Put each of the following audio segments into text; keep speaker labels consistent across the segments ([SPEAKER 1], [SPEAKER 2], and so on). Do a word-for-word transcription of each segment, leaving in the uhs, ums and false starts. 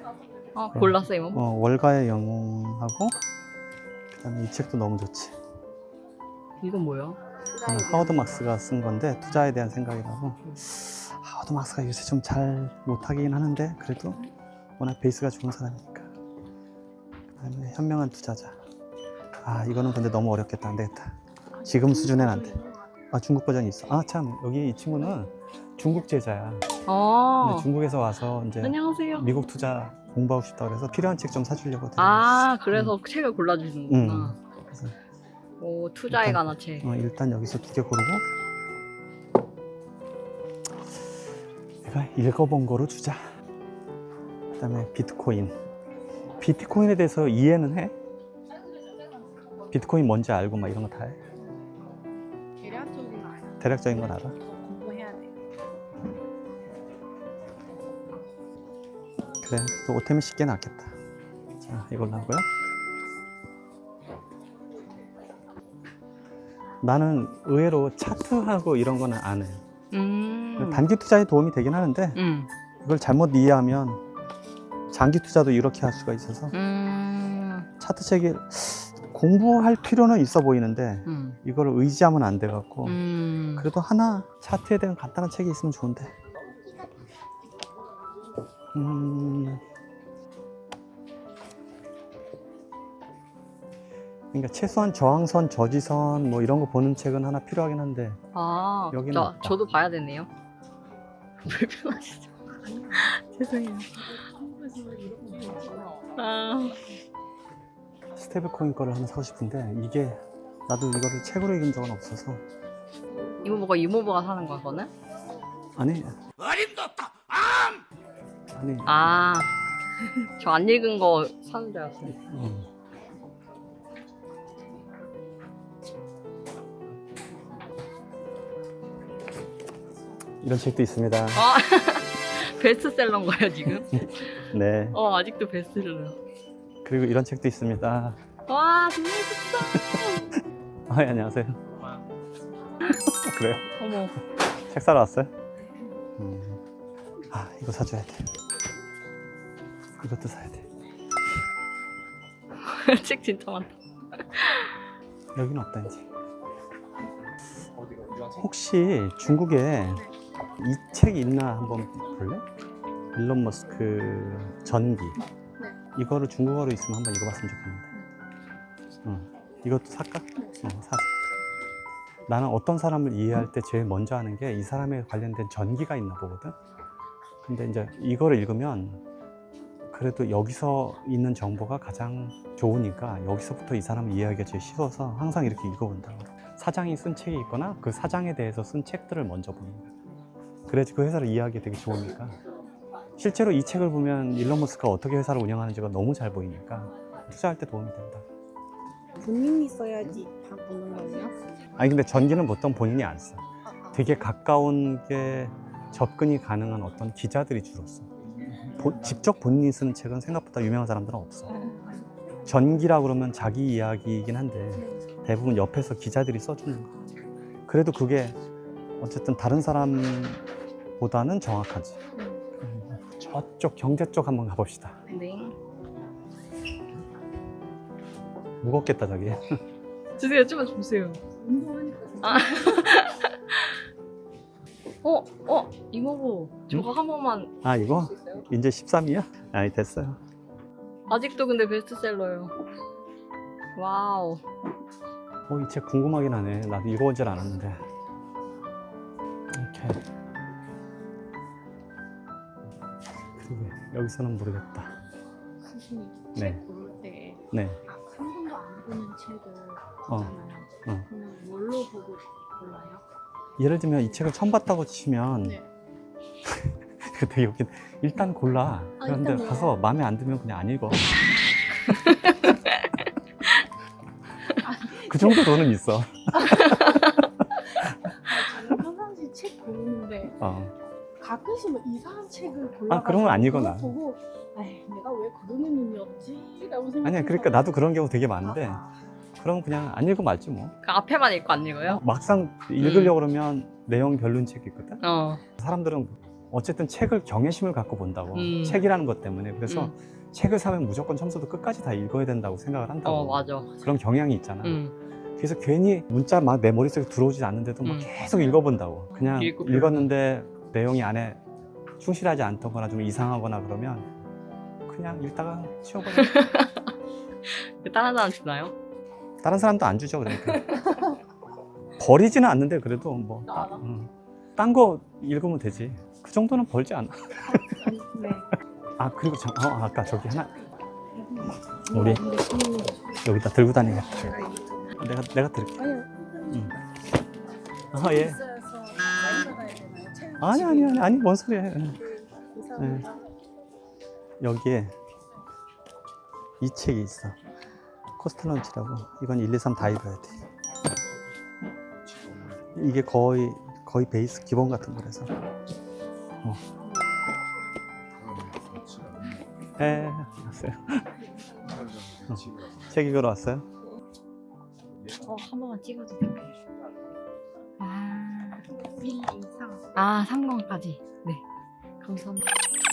[SPEAKER 1] 아, 골랐어 이모?
[SPEAKER 2] 어, 월가의 영웅하고 그다음에 이 책도 너무 좋지.
[SPEAKER 1] 이건 뭐야?
[SPEAKER 2] 이거는 하워드 막스가 쓴 건데 투자에 대한 생각이라고. 하워드 막스가 요새 좀 잘 못하긴 하는데 그래도 워낙 베이스가 좋은 사람이니까. 그다음에 현명한 투자자. 아 이거는 근데 너무 어렵겠다. 안 되겠다. 지금 수준엔 안 돼. 아 중국 버전이 있어. 아 참 여기 이 친구는 중국 제자야.
[SPEAKER 1] 아,
[SPEAKER 2] 근데 중국에서 와서 이제
[SPEAKER 1] 안녕하세요.
[SPEAKER 2] 미국 투자 공부하고 싶다 그래서 필요한 책 좀 사주려고.
[SPEAKER 1] 아, 그래서 책을 골라주시는구나.
[SPEAKER 2] 음. 그래서
[SPEAKER 1] 오, 투자에
[SPEAKER 2] 일단-
[SPEAKER 1] 관한 책.
[SPEAKER 2] 어, 일단 여기서 두 개 고르고 내가 읽어본 거로 주자. 그 다음에 비트코인. 비트코인에 대해서 이해는 해? 비트코인 뭔지 알고 막 이런 거 다 해?
[SPEAKER 3] 대략적인 거 알아.
[SPEAKER 2] 대략적인 건 알아?
[SPEAKER 3] 이거 공부해야 돼.
[SPEAKER 2] 그래, 또 오템이 쉽게 낫겠다. 자, 이걸로 하고요. 나는 의외로 차트하고 이런 거는 안 해.
[SPEAKER 1] 음.
[SPEAKER 2] 단기 투자에 도움이 되긴 하는데
[SPEAKER 1] 음.
[SPEAKER 2] 이걸 잘못 이해하면 장기 투자도 이렇게 할 수가 있어서
[SPEAKER 1] 음.
[SPEAKER 2] 차트 책이 공부할 필요는 있어 보이는데
[SPEAKER 1] 음.
[SPEAKER 2] 이걸 의지하면 안 돼 갖고
[SPEAKER 1] 음.
[SPEAKER 2] 그래도 하나 차트에 대한 간단한 책이 있으면 좋은데. 음. 그러니까 최소한 저항선, 저지선 뭐 이런 거 보는 책은 하나 필요하긴 한데
[SPEAKER 1] 아,
[SPEAKER 2] 여기는
[SPEAKER 1] 저,
[SPEAKER 2] 없다.
[SPEAKER 1] 저도 봐야 되네요. 불편하시죠? 죄송해요. 아,
[SPEAKER 2] 스테이블 코인 거를 하나 사고 싶은데 이게 나도 이거를 책으로 읽은 적은 없어서.
[SPEAKER 1] 이모부가 이모부가 사는 거야, 그거는?
[SPEAKER 2] 아니 어림도 없다 아니
[SPEAKER 1] 아, 저 안 읽은 거 사는 줄 알았어요.
[SPEAKER 2] 음. 이런 책도 있습니다.
[SPEAKER 1] 아, 베스트셀러인가요, 지금?
[SPEAKER 2] 네.
[SPEAKER 1] 어, 아직도 베스트셀러.
[SPEAKER 2] 그리고 이런 책도 있습니다.
[SPEAKER 1] 와, 정말 좋다.
[SPEAKER 2] 아, 예, 안녕하세요. 그래요?
[SPEAKER 1] 어머.
[SPEAKER 2] 책 사러 왔어요? 음. 아, 이거 사줘야 돼. 이것도 사야 돼.
[SPEAKER 1] 책 진짜 많다.
[SPEAKER 2] 여기는 없다 이제. 혹시 중국에 이 책 있나 한번 볼래? 일론 머스크 전기.
[SPEAKER 3] 네.
[SPEAKER 2] 이거를 중국어로 있으면 한번 읽어봤으면 좋겠는데. 응. 이것도 살까? 어, 사자. 나는 어떤 사람을 이해할 때 제일 먼저 하는 게 이 사람에 관련된 전기가 있나 보거든. 근데 이제 이거를 읽으면 그래도 여기서 있는 정보가 가장 좋으니까 여기서부터 이 사람을 이해하기가 제일 쉬워서 항상 이렇게 읽어본다고. 사장이 쓴 책이 있거나 그 사장에 대해서 쓴 책들을 먼저 보는 거야. 그래야지 그 회사를 이해하기 되게 좋으니까. 실제로 이 책을 보면 일론 머스크가 어떻게 회사를 운영하는지가 너무 잘 보이니까 투자할 때 도움이 된다.
[SPEAKER 3] 본인이 써야지 다 보는 거예요?
[SPEAKER 2] 아니 근데 전기는 보통 본인이 안 써. 되게 가까운 게 접근이 가능한 어떤 기자들이 주로 써. 보, 직접 본인이 쓰는 책은 생각보다 유명한 사람들은 없어. 전기라 그러면 자기 이야기이긴 한데 대부분 옆에서 기자들이 써주는 거. 그래도 그게 어쨌든 다른 사람보다는 정확하지. 저쪽 경제 쪽 한번 가봅시다.
[SPEAKER 1] 네.
[SPEAKER 2] 무겁겠다 저기.
[SPEAKER 1] 주세요, 좀만 주세요.
[SPEAKER 3] 운동하니까
[SPEAKER 1] 아. 어, 어, 이모부. 저거 한 번만.
[SPEAKER 2] 아 이거?
[SPEAKER 3] 수 있어요?
[SPEAKER 2] 이제 십삼이야? 아니 됐어요.
[SPEAKER 1] 아직도 근데 베스트셀러예요. 와우.
[SPEAKER 2] 어, 이 책 궁금하긴 하네. 나도 읽어본 줄 알았는데. 이렇게. 그러게, 여기서는 모르겠다.
[SPEAKER 3] 선생님
[SPEAKER 2] 네.
[SPEAKER 3] 책 고를 때
[SPEAKER 2] 네.
[SPEAKER 3] 아, 한 번도 안 보는 책을
[SPEAKER 2] 어.
[SPEAKER 3] 보잖아요.
[SPEAKER 2] 어.
[SPEAKER 3] 그러면 뭘로 보고 골라요?
[SPEAKER 2] 예를 들면 이 책을 처음 봤다고 치면
[SPEAKER 3] 네.
[SPEAKER 2] 되게 웃긴. 일단 골라.
[SPEAKER 3] 아,
[SPEAKER 2] 그런데
[SPEAKER 3] 일단
[SPEAKER 2] 가서 마음에 안 들면 그냥 안 읽어. 그 정도 돈은 있어.
[SPEAKER 3] 아, 저는 평상시 책 고르는데
[SPEAKER 2] 어.
[SPEAKER 3] 가끔씩 뭐 이상한 책을 골라.
[SPEAKER 2] 아, 그런 건 안 읽어, 나.
[SPEAKER 3] 보고, 에이, 내가 왜 고르는 놈이었지? 라고 생각.
[SPEAKER 2] 아니야, 그러니까 나도 그런 경우 되게 많은데 그럼 그냥 안 읽으면 말지 뭐.
[SPEAKER 1] 그 앞에만 읽고 안 읽어요?
[SPEAKER 2] 막상 읽으려고 그러면 내용 별론 책이 있거든.
[SPEAKER 1] 어.
[SPEAKER 2] 사람들은 어쨌든 책을 경외심을 갖고 본다고.
[SPEAKER 1] 음.
[SPEAKER 2] 책이라는 것 때문에. 그래서
[SPEAKER 1] 음.
[SPEAKER 2] 책을 사면 무조건 처음부터 끝까지 다 읽어야 된다고 생각을 한다고.
[SPEAKER 1] 어 맞아.
[SPEAKER 2] 그런 경향이 있잖아.
[SPEAKER 1] 음.
[SPEAKER 2] 그래서 괜히 문자 막 내 머릿속에 들어오지 않는데도 막
[SPEAKER 1] 음.
[SPEAKER 2] 계속 읽어본다고. 그냥
[SPEAKER 1] 읽고
[SPEAKER 2] 읽었는데 내용이 안에 충실하지 않거나 좀 이상하거나 그러면 그냥 읽다가 치워버려.
[SPEAKER 1] 다른 사람 주나요?
[SPEAKER 2] 다른 사람도 안 주죠, 그러니까. 버리지는 않는데 그래도 뭐 딴 거 읽으면 되지. 그 정도는 벌지 않아.
[SPEAKER 3] 네.
[SPEAKER 2] 아 그리고 저, 어, 아까 저기 하나 우리 여기다 들고 다니게. 내가 내가 들게.
[SPEAKER 3] 아니요.
[SPEAKER 2] 응. 아 예.
[SPEAKER 3] 있어서 많이 받아야 되나요? 책
[SPEAKER 2] 아니 아니 아니 아니 뭔 소리야.
[SPEAKER 3] 이상하다.
[SPEAKER 2] 여기에 이 책이 있어. 코스탈런치라고. 이건 일, 이, 삼 다 읽어야 돼. 이게 거의 거의 베이스 기본 같은 거라서. 어. 예, 왔어요. 어. 책 읽으러 왔어요?
[SPEAKER 1] 어, 한 번만 찍어도 될까요? 아,
[SPEAKER 3] 일 이상.
[SPEAKER 1] 아 삼 권까지. 네, 감사합니다.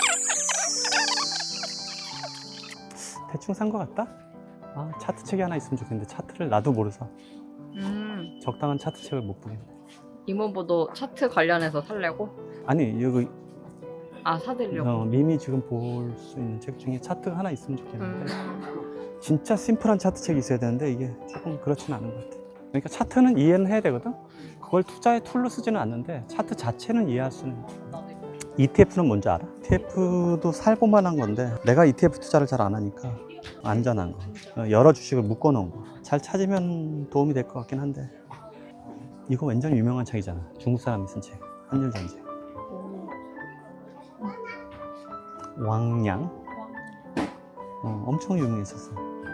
[SPEAKER 2] 대충 산 거 같다? 아, 차트 책이 하나 있으면 좋겠는데 차트를 나도 모르서
[SPEAKER 1] 음,
[SPEAKER 2] 적당한 차트 책을 못 보겠네.
[SPEAKER 1] 이모부도 차트 관련해서 살려고?
[SPEAKER 2] 아니 여기
[SPEAKER 1] 아 사드리려고.
[SPEAKER 2] 어, 미미 지금 볼 수 있는 책 중에 차트 하나 있으면 좋겠는데
[SPEAKER 1] 음.
[SPEAKER 2] 진짜 심플한 차트 책이 있어야 되는데 이게 조금 그렇지는 않은 것 같아. 그러니까 차트는 이해는 해야 되거든. 그걸 투자의 툴로 쓰지는 않는데 차트 자체는 이해할 수는 있어. 이티에프는 뭔지 알아? 이티에프도 살볼만한 건데 내가 이티에프 투자를 잘 안 하니까 안전한 거. 어, 여러 주식을 묶어 놓은 거. 잘 찾으면 도움이 될 것 같긴 한데 이거 완전 유명한 책이잖아. 중국 사람이 쓴 책. 한일 전쟁. 왕량. 어, 엄청 유명했었어.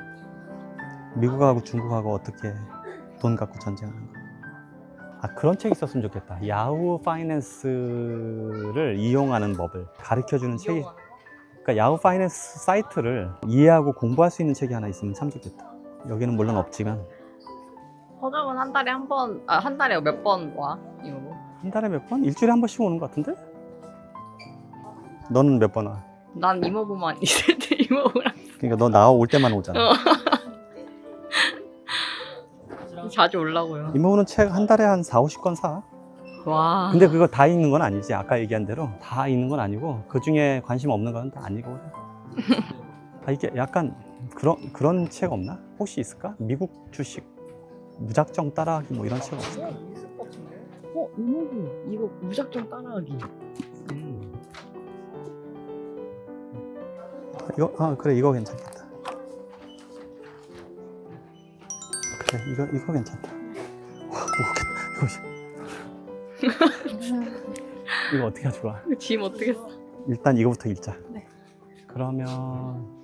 [SPEAKER 2] 미국하고 중국하고 어떻게 돈 갖고 전쟁하는 거. 아 그런 책 있었으면 좋겠다. 야후 파이낸스를 이용하는 법을 가르쳐주는 책이. 그러니까 야후 파이낸스 사이트를 이해하고 공부할 수 있는 책이 하나 있으면 참 좋겠다. 여기는 물론 없지만
[SPEAKER 1] 서점은 한 달에 한 번, 아 한 달에 몇 번 와? 이모부?
[SPEAKER 2] 한 달에 몇 번? 일주일에 한 번씩 오는 것 같은데? 너는 몇 번 와?
[SPEAKER 1] 난 이모부만 있을 때 이모부랑
[SPEAKER 2] 그러니까 너 나올 때만 오잖아.
[SPEAKER 1] 어. 자주 올라고요.
[SPEAKER 2] 이모는 책 한 달에 한 사오십 권 사.
[SPEAKER 1] 와.
[SPEAKER 2] 근데 그거 다 읽는 건 아니지. 아까 얘기한 대로 다 읽는 건 아니고 그 중에 관심 없는 건 다 안 읽어. 아 이게 약간 그런 그런 책 없나? 혹시 있을까? 미국 주식 무작정 따라하기 뭐 이런 책 없을까?
[SPEAKER 1] 어 이모부 이거 무작정 따라하기.
[SPEAKER 2] 음. 이거 아 그래 이거 괜찮겠다. 그래 이거 이거 괜찮다. 와 이거 이거 어떻게 하면 좋아?
[SPEAKER 1] 짐 어떻게 써?
[SPEAKER 2] 일단 이거부터 읽자.
[SPEAKER 3] 네.
[SPEAKER 2] 그러면